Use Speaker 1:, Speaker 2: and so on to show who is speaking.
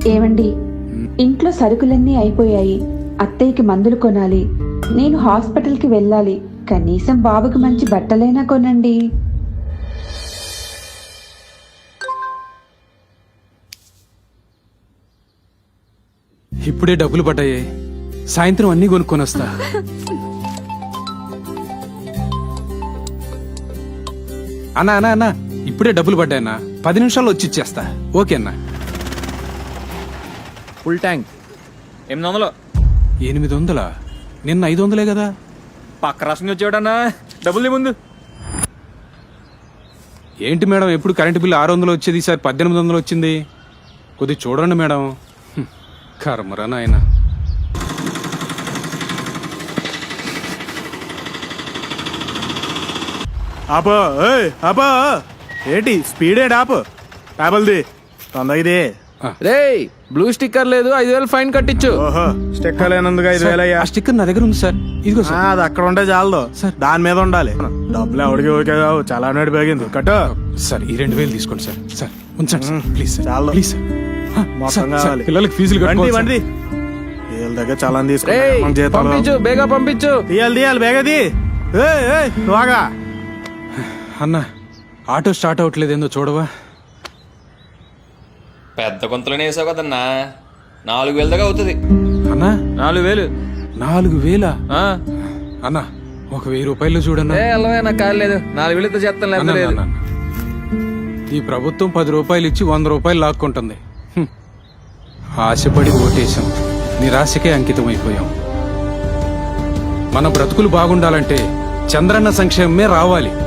Speaker 1: ఏమండి, ఇంట్లో సరుకులన్నీ అయిపోయాయి. అత్తయ్యకి మందులు కొనాలి. నేను హాస్పిటల్కి వెళ్ళాలి. కనీసం బాబుకి మంచి బట్టలైనా కొనండి.
Speaker 2: ఇప్పుడే డబ్బులు పడ్డాయి. సాయంత్రం అన్నీ కొనుక్కొని వస్తా. అన్నా అన్నా అన్నా, ఇప్పుడే డబ్బులు పడ్డాయన్నా. 10 నిమిషాల్లో వచ్చి ఇచ్చేస్తా. ఓకే అన్నా.
Speaker 3: Full tank 800.
Speaker 2: 800? నిన్న 500 కదా.
Speaker 3: పక్క రాష్ట్రం వచ్చేవాడన్నా. డబ్బులు ముందు.
Speaker 2: ఏంటి మేడం, ఎప్పుడు కరెంటు బిల్లు 600 వచ్చేది, ఈసారి 1800 వచ్చింది. కొద్ది చూడండి మేడం. కర్మరా నాయన.
Speaker 4: ఆపో ఆపో, ఏంటి స్పీడ్ ఏంటి? ఆపు టాబల్ది తొందరది.
Speaker 3: రేయ్, బ్లూ స్టిక్కర్ లేదు, 5000 ఫైన్ కట్టించు.
Speaker 4: ఓహో, స్టిక్కర్ లేనందుకు 5000 అయ్యా.
Speaker 2: ఆ స్టిక్కర్ నా దగ్గర ఉంది సార్. ఇదిగో సార్.
Speaker 4: అది అక్కడ ఉంటే చాలదు
Speaker 2: సార్.
Speaker 4: దాని మీద ఉండాలి. డబ్బులు ఎవడికి ఓకే కావు, చాలా నాడు పెరిగింది. కట్టు
Speaker 2: సార్, ఈ 2000 తీసుకోండి సార్. సార్ ఉంచండి సార్, ప్లీజ్ సార్.
Speaker 4: చాలు.
Speaker 2: Please sir.
Speaker 4: మొత్తం
Speaker 2: సార్, సార్,
Speaker 4: కావాలి.
Speaker 2: పిల్లలకి ఫీజులు
Speaker 4: వండి
Speaker 2: కట్టుకోవాలి
Speaker 4: వండి వీళ్ళ దగ్గర చాలా
Speaker 3: రేయ్,
Speaker 4: తీసుకుంటాం.
Speaker 3: పంపించు, బేగా పంపించు.
Speaker 4: తీయాలి బేగది. నువ్వుగా
Speaker 2: అన్నా, ఆటో స్టార్ట్ అవ్వట్లేదు, ఏందో చూడవా?
Speaker 5: పెద్ద కొంతలోనే వేసావు కదన్నా, 4000 దాకా అవుతుంది.
Speaker 2: అన్నా,
Speaker 3: 4000.
Speaker 2: 4000?
Speaker 3: ఆ,
Speaker 2: అన్నా, ఒక 1000 రూపాయలు చూడన్నా.
Speaker 3: ఏ అల్లవే, నాకు కాలేదు. 4000తో చేస్తాను,
Speaker 2: అన్నా,
Speaker 3: లేదు.
Speaker 2: అన్నా, అన్నా. ఈ ప్రభుత్వం 10 రూపాయలు ఇచ్చి 100 రూపాయలు లాక్కుంటుంది. ఆశపడి ఓటేశాం, నిరాశకే అంకితం అయిపోయాం. మన బ్రతుకులు బాగుండాలంటే చంద్రన్న సంక్షేమమే రావాలి.